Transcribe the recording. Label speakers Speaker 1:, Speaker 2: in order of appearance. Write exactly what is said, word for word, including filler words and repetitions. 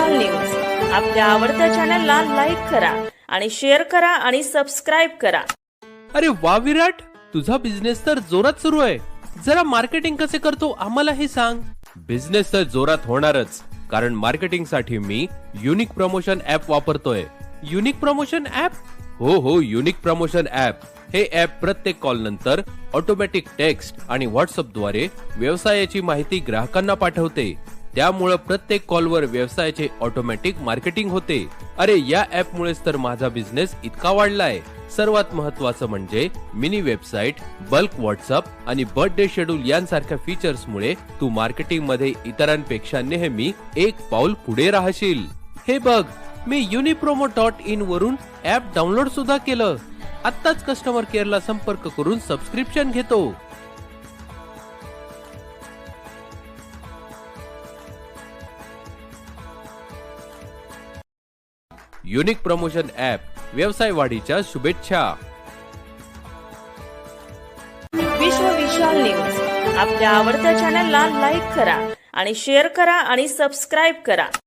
Speaker 1: विशाल news आपल्या आवडत्या चॅनलला लाईक करा आणि शेअर करा आणि सबस्क्राइब करा।
Speaker 2: अरे वा विराट, तुझा बिझनेस तर जोरात सुरू आहे। जरा मार्केटिंग कसे करतो आम्हाला हे सांग। बिझनेस तर जोरात होणारच, कारण मार्केटिंग साठी मी युनिक प्रमोशन ऍप वापरतोय। Unique promotion app? हो हो, युनिक प्रमोशन ऍप। हे ऍप प्रत्येक कॉल नंतर ऑटोमॅटिक टेक्स्ट आणि व्हॉट्सअप द्वारे व्यवसायाची माहिती ग्राहकांना पाठवते। त्यामुळे प्रत्येक कॉलवर व्यवसायाचे ऑटोमॅटिक मार्केटिंग होते। अरे या ऍप मुळेच तर माझा बिझनेस इतका वाढलाय। सर्वात महत्त्वाचं म्हणजे मिनी वेबसाईट, बल्क व्हॉट्सअप आणि बर्थडे शेड्यूल यांसारख्या फीचर्स मुळे तू मार्केटिंग मध्ये इतरांपेक्षा नेहमी एक पाऊल पुढे राहशील। हे बघ, मी युनिप्रोमो डॉट इन वरून ऍप डाउनलोड सुद्धा केलं। आत्ताच कस्टमर केअरला संपर्क करून सबस्क्रिप्शन घेतो। युनिक प्रमोशन ऍप, व्यवसाय वाढीच्या शुभेच्छा।
Speaker 1: विश्व विशाल न्यूज आपल्या आवडत्या चॅनलला लाईक करा आणि शेअर करा आणि सबस्क्राइब करा।